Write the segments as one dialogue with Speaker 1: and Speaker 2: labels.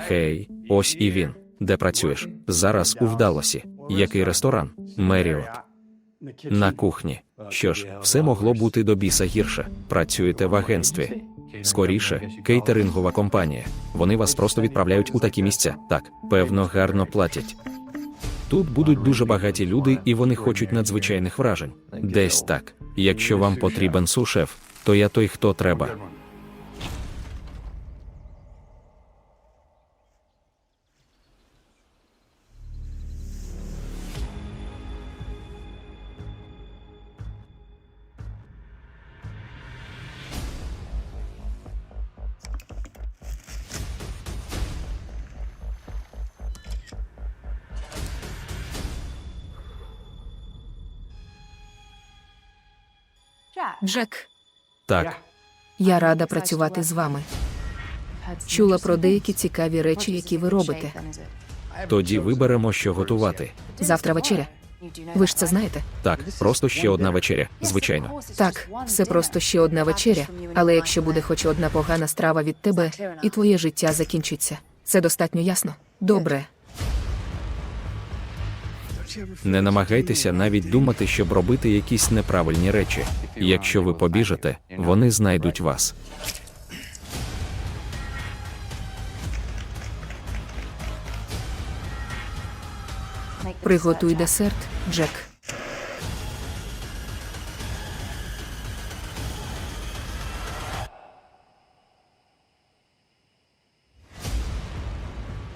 Speaker 1: Хей, ось і він. Де працюєш? Зараз у Вдалосі. Який ресторан? Меріот. На кухні. Що ж, все могло бути до біса гірше. Працюєте в агентстві. Скоріше, кейтерингова компанія. Вони вас просто відправляють у такі місця. Так, певно, гарно платять. Тут будуть дуже багаті люди, і вони хочуть надзвичайних вражень. Десь так. Якщо вам потрібен су-шеф, то я той, хто треба.
Speaker 2: Джек,
Speaker 1: Так,
Speaker 2: я рада працювати з вами. Чула про деякі цікаві речі, які ви робите.
Speaker 1: тоді виберемо, що готувати.
Speaker 2: Завтра вечеря. Ви ж це знаєте?
Speaker 1: Так, просто ще одна вечеря, звичайно.
Speaker 2: Так, все просто ще одна вечеря, але якщо буде хоч одна погана страва від тебе, і твоє життя закінчиться. Це достатньо ясно? Добре.
Speaker 1: Не намагайтеся навіть думати, щоб робити якісь неправильні речі. Якщо ви побіжите, вони знайдуть вас.
Speaker 2: Приготуй десерт, Джек.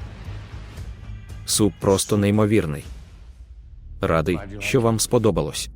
Speaker 1: Суп просто неймовірний. Радий, що вам сподобалось.